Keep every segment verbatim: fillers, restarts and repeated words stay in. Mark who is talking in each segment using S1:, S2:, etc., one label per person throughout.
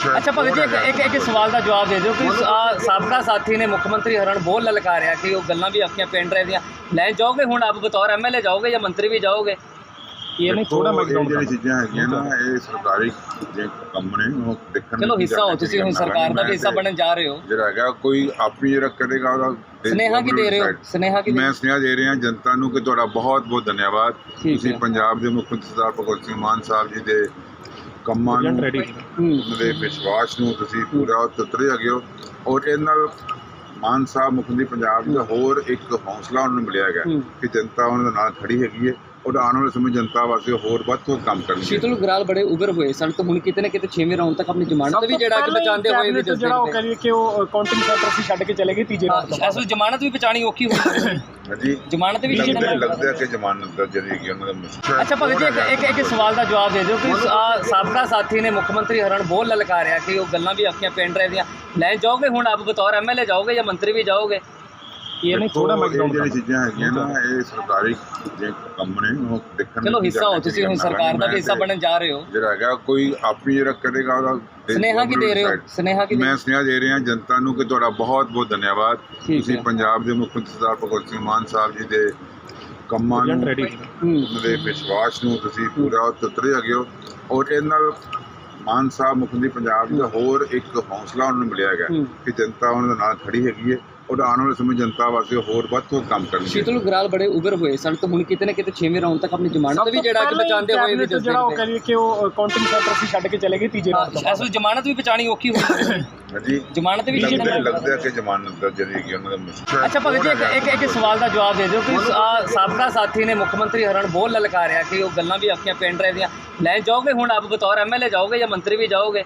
S1: ਅੱਛਾ ਭਗਤ ਜੀ, ਇੱਕ ਇੱਕ ਇੱਕ ਸਵਾਲ ਦਾ ਜਵਾਬ ਦੇ ਦਿਓ ਕਿ ਆ ਸਾਬਕਾ ਸਾਥੀ ਨੇ ਮੁੱਖ ਮੰਤਰੀ ਹਰਨ ਬੋਲ ਲਲਕਾਰਿਆ ਕਿ ਉਹ ਗੱਲਾਂ ਵੀ ਆਪਣੀਆਂ ਪਿੰਡ ਡਰਾਈਵ ਦੀਆਂ ਲੈ ਜਾਓਗੇ, ਹੁਣ ਆਪ ਬਤੌਰ ਐਮਐਲਏ ਜਾਓਗੇ ਜਾਂ ਮੰਤਰੀ ਵੀ ਜਾਓਗੇ? ਇਹ ਨਹੀਂ ਥੋੜਾ
S2: ਇਹ ਜਿਹੜੀ ਚੀਜ਼ਾਂ ਹੈਗੀਆਂ ਨਾ, ਇਹ ਸਰਕਾਰੀ ਜੇ ਕੰਮ ਨੇ ਉਹ ਦੇਖਣ
S1: ਚਲੋ ਹਿੱਸਾ ਹੋ ਤੁਸੀਂ, ਹੁਣ ਸਰਕਾਰ ਦਾ ਵੀ ਹਿੱਸਾ ਬਣਨ ਜਾ ਰਹੇ ਹੋ।
S2: ਜਿਹੜਾ ਹੈਗਾ ਕੋਈ ਆਪੀ ਜਿਹੜਾ ਕਰੇਗਾ ਉਹਦਾ
S1: ਸੁਨੇਹਾ ਕੀ ਦੇ ਰਹੇ ਹੋ? ਸੁਨੇਹਾ ਕੀ
S2: ਮੈਂ ਸੁਨੇਹਾ ਦੇ ਰਿਹਾ ਜਨਤਾ ਨੂੰ ਕਿ ਤੁਹਾਡਾ ਬਹੁਤ ਬਹੁਤ ਧੰਨਵਾਦ। ਤੁਸੀਂ ਪੰਜਾਬ ਦੇ ਮੁੱਖ ਮੰਤਰੀ ਸਰਦਾਰ ਭਗਵੰਤ ਸਿੰਘ ਮਾਨ ਸਾਹਿਬ ਜੀ ਦੇ ਕੰਮਾਂ ਨੂੰ, ਉਹਨਾਂ ਦੇ ਵਿਸ਼ਵਾਸ ਨੂੰ ਤੁਸੀਂ ਪੂਰਾ ਉਤਰੇ ਹੈਗੇ ਹੋ, ਔਰ ਇਹਦੇ ਨਾਲ ਮਾਨ ਸਾਹਿਬ ਮੁੱਖ ਮੰਤਰੀ ਪੰਜਾਬ ਦਾ ਹੋਰ ਇੱਕ ਹੌਸਲਾ ਉਹਨਾਂ ਨੂੰ ਮਿਲਿਆ ਹੈਗਾ ਕਿ ਜਨਤਾ ਉਹਨਾਂ ਦੇ ਨਾਲ ਖੜੀ ਹੈਗੀ ਹੈ ਔਰ ਆਉਣ ਵਾਲੇ ਸਮੇਂ ਜਨਤਾ ਵਾਸਤੇ ਹੋਰ ਵੱਧ ਤੋਂ ਕੰਮ ਕਰਨਗੇ।
S1: ਸ਼ੀਤਲ ਗਰਾਲ ਬੜੇ ਉਗਰ ਹੋਏ ਸਨ ਤੇ ਹੁਣ ਕਿਤੇ ਨਾ ਕਿਤੇ ਛੇਵੇਂ ਰਾਉਂਡ ਤੱਕ ਆਪਣੀ ਜ਼ਮਾਨਤ ਵੀ ਜਿਹੜਾ ਕਿ ਬਚਾਉਂਦੇ ਹੋਏ ਵੀ
S3: ਜਿਹੜਾ ਉਹ ਕਰੀਏ ਕਿ ਉਹ ਕਾਊਂਟਿੰਗ ਸੈਂਟਰ ਸੀ ਛੱਡ ਕੇ ਚਲੇ ਗਏ ਤੀਜੇ ਰਾਉਂਡ ਤੋਂ।
S1: ਅਸਲ ਜ਼ਮਾਨਤ ਵੀ ਬਚਾਣੀ ਔਖੀ ਹੋਈ
S2: ਹਾਂਜੀ,
S1: ਜ਼ਮਾਨਤ ਵੀ
S2: ਲੱਗਦਾ ਕਿ ਜ਼ਮਾਨਤ ਦਾ ਜਿਹੜੀ ਹੈਗੀ ਉਹਨਾਂ ਦਾ ਮੁਸ਼ਕਲ।
S1: ਅੱਛਾ ਭਗਤ ਜੀ, ਇੱਕ ਇੱਕ ਸਵਾਲ ਦਾ ਜਵਾਬ ਦੇ ਦਿਓ ਕਿ ਆ ਸਾਬਕਾ ਸਾਥੀ ਨੇ ਮੁੱਖ ਮੰਤਰੀ ਹਰਨ ਬੋਲ ਲਲਕਾਰਿਆ ਕਿ ਉਹ ਗੱਲਾਂ ਵੀ ਆਪਣੀਆਂ ਪਿੰਡ ਡਰਾਈਵ ਦੀਆਂ ਲੈ ਜਾਓਗੇ, ਹੁਣ ਆਪ ਬਤੌਰ ਐਮਐਲਏ ਜਾਓਗੇ ਜਾਂ ਮੰਤਰੀ ਵੀ ਜਾਓਗੇ? ਇਹ ਨਹੀਂ ਥੋੜਾ
S2: ਜਿਹੜੀ ਚੀਜ਼ਾਂ ਹੈਗੀਆਂ ਨਾ, ਇਹ ਸਰਕਾਰੀ ਜੇ ਕੰਮ ਨੇ ਉਹ ਦੇਖਣ
S1: ਚਲੋ ਹਿੱਸਾ ਹੋ ਤੁਸੀਂ, ਹੁਣ ਸਰਕਾਰ ਦਾ ਵੀ ਹਿੱਸਾ ਬਣਨ ਜਾ ਰਹੇ ਹੋ।
S2: ਜਿਹੜਾ ਹੈਗਾ ਕੋਈ ਆਪੀ ਜਿਹੜਾ ਕਰੇਗਾ ਉਹਦਾ
S1: ਸੁਨੇਹਾ ਕੀ ਦੇ ਰਹੇ ਹੋ? ਸੁਨੇਹਾ ਕੀ
S2: ਮੈਂ ਸੁਨੇਹਾ ਦੇ ਰਿਹਾ ਜਨਤਾ ਨੂੰ ਕਿ ਤੁਹਾਡਾ ਬਹੁਤ ਬਹੁਤ ਧੰਨਵਾਦ। ਤੁਸੀਂ ਪੰਜਾਬ ਦੇ ਮੁੱਖ ਮੰਤਰੀ ਸਰਦਾਰ ਭਗਵੰਤ ਸਿੰਘ ਮਾਨ ਸਾਹਿਬ ਜੀ ਦੇ ਕੰਮਾਂ ਨੂੰ, ਉਹਨਾਂ ਦੇ ਵਿਸ਼ਵਾਸ ਨੂੰ ਤੁਸੀਂ ਪੂਰਾ ਉਤਰੇ ਹੈਗੇ ਹੋ, ਔਰ ਇਹਦੇ ਨਾਲ ਮਾਨ ਸਾਹਿਬ ਮੁੱਖ ਮੰਤਰੀ ਪੰਜਾਬ ਦਾ ਹੋਰ ਇੱਕ ਹੌਸਲਾ ਉਹਨਾਂ ਨੂੰ ਮਿਲਿਆ ਹੈਗਾ ਕਿ ਜਨਤਾ ਉਹਨਾਂ ਦੇ ਨਾਲ ਖੜੀ ਹੈਗੀ ਹੈ ਔਰ ਆਉਣ ਵਾਲੇ ਸਮੇਂ ਜਨਤਾ ਵਾਸਤੇ ਹੋਰ ਵੱਧ ਤੋਂ ਕੰਮ ਕਰਨਗੇ।
S1: ਸ਼ੀਤਲ ਗਰਾਲ ਬੜੇ ਉਗਰ ਹੋਏ ਸਨ ਤੇ ਹੁਣ ਕਿਤੇ ਨਾ ਕਿਤੇ ਛੇਵੇਂ ਰਾਉਂਡ ਤੱਕ ਆਪਣੀ ਜ਼ਮਾਨਤ ਵੀ ਜਿਹੜਾ ਕਿ ਬਚਾਉਂਦੇ ਹੋਏ ਵੀ
S3: ਜਿਹੜਾ ਉਹ ਕਰੀਏ ਕਿ ਉਹ ਕਾਊਂਟਿੰਗ ਸੈਂਟਰ ਸੀ ਛੱਡ ਕੇ ਚਲੇ ਗਏ ਤੀਜੇ ਰਾਉਂਡ ਤੋਂ।
S1: ਅਸਲ ਜ਼ਮਾਨਤ ਵੀ ਬਚਾਣੀ ਔਖੀ ਹੋਈ
S2: ਹਾਂਜੀ,
S1: ਜ਼ਮਾਨਤ ਵੀ
S2: ਲੱਗਦਾ ਕਿ ਜ਼ਮਾਨਤ ਦਾ ਜਿਹੜੀ ਹੈਗੀ ਉਹਨਾਂ ਦਾ ਮੁਸ਼ਕਲ।
S1: ਅੱਛਾ ਭਗਤ ਜੀ, ਇੱਕ ਇੱਕ ਸਵਾਲ ਦਾ ਜਵਾਬ ਦੇ ਦਿਓ ਕਿ ਆ ਸਾਬਕਾ ਸਾਥੀ ਨੇ ਮੁੱਖ ਮੰਤਰੀ ਹਰਨ ਬੋਲ ਲਲਕਾਰਿਆ ਕਿ ਉਹ ਗੱਲਾਂ ਵੀ ਆਪਣੀਆਂ ਪਿੰਡ ਡਰਾਈਵ ਦੀਆਂ ਲੈ ਜਾਓਗੇ, ਹੁਣ ਆਪ ਬਤੌਰ ਐਮਐਲਏ ਜਾਓਗੇ ਜਾਂ ਮੰਤਰੀ ਵੀ ਜਾਓਗੇ?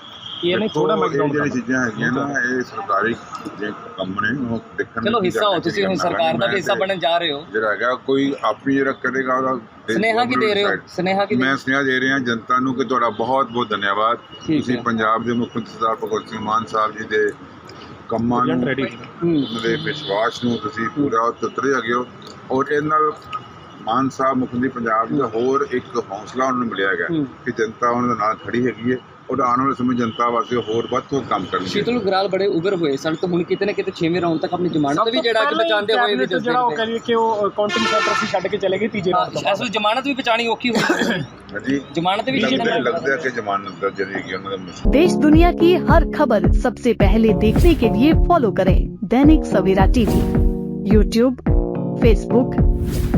S1: ਇਹ ਨਹੀਂ ਥੋੜਾ
S2: ਜਿਹੜੀ ਚੀਜ਼ਾਂ ਹੈਗੀਆਂ ਨਾ, ਇਹ ਸਰਕਾਰੀ ਜੇ ਕੰਮ ਨੇ ਉਹ ਦੇਖਣ
S1: ਚਲੋ ਹਿੱਸਾ ਹੋ ਤੁਸੀਂ, ਹੁਣ ਸਰਕਾਰ ਦਾ ਵੀ ਹਿੱਸਾ ਬਣਨ ਜਾ ਰਹੇ ਹੋ।
S2: ਜਿਹੜਾ ਹੈਗਾ ਕੋਈ ਆਪੀ ਜਿਹੜਾ ਕਰੇਗਾ ਉਹਦਾ
S1: ਸੁਨੇਹਾ ਕੀ ਦੇ ਰਹੇ ਹੋ? ਸੁਨੇਹਾ ਕੀ
S2: ਮੈਂ ਸੁਨੇਹਾ ਦੇ ਰਿਹਾ ਜਨਤਾ ਨੂੰ ਕਿ ਤੁਹਾਡਾ ਬਹੁਤ ਬਹੁਤ ਧੰਨਵਾਦ। ਤੁਸੀਂ ਪੰਜਾਬ ਦੇ ਮੁੱਖ ਮੰਤਰੀ ਸਰਦਾਰ ਭਗਵੰਤ ਸਿੰਘ ਮਾਨ ਸਾਹਿਬ ਜੀ ਦੇ ਕੰਮਾਂ ਨੂੰ, ਉਹਨਾਂ ਦੇ ਵਿਸ਼ਵਾਸ ਨੂੰ ਤੁਸੀਂ ਪੂਰਾ ਉਤਰੇ ਹੈਗੇ ਹੋ, ਔਰ ਇਹਦੇ ਨਾਲ ਮਾਨ ਸਾਹਿਬ ਮੁੱਖ ਮੰਤਰੀ ਪੰਜਾਬ ਦਾ ਹੋਰ ਇੱਕ ਹੌਸਲਾ ਉਹਨਾਂ ਨੂੰ ਮਿਲਿਆ ਹੈਗਾ ਕਿ ਜਨਤਾ ਉਹਨਾਂ ਦੇ ਨਾਲ ਖੜੀ ਹੈਗੀ ਹੈ ਔਰ ਆਉਣ ਵਾਲੇ ਸਮੇਂ ਜਨਤਾ ਵਾਸਤੇ ਹੋਰ ਵੱਧ ਤੋਂ ਕੰਮ ਕਰਨਗੇ।
S1: ਸ਼ੀਤਲ ਗਰਾਲ ਬੜੇ ਉਗਰ ਹੋਏ ਸਨ ਤੇ ਹੁਣ ਕਿਤੇ ਨਾ ਕਿਤੇ ਛੇਵੇਂ ਰਾਉਂਡ ਤੱਕ ਆਪਣੀ ਜ਼ਮਾਨਤ ਵੀ ਜਿਹੜਾ ਕਿ ਬਚਾਉਂਦੇ ਹੋਏ ਵੀ
S3: ਜਿਹੜਾ ਉਹ ਕਰੀਏ ਕਿ ਉਹ ਕਾਊਂਟਿੰਗ ਸੈਂਟਰ ਸੀ ਛੱਡ ਕੇ ਚਲੇ ਗਏ ਤੀਜੇ ਰਾਉਂਡ ਤੋਂ।
S1: ਅਸਲ ਜ਼ਮਾਨਤ ਵੀ ਬਚਾਣੀ ਔਖੀ ਹੋਈ
S2: ਹਾਂਜੀ,
S1: ਜ਼ਮਾਨਤ ਵੀ
S2: ਲੱਗਦਾ ਕਿ ਜ਼ਮਾਨਤ ਦਾ ਜਿਹੜੀ ਹੈਗੀ ਉਹਨਾਂ ਦਾ ਮੁਸ਼ਕਲ।
S4: देश दुनिया की हर खबर सबसे पहले देखने के लिए फॉलो करें Dainik Savera TV, YouTube, Facebook,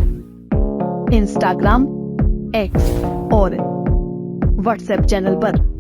S4: Instagram, X और व्हाट्सएप चैनल पर।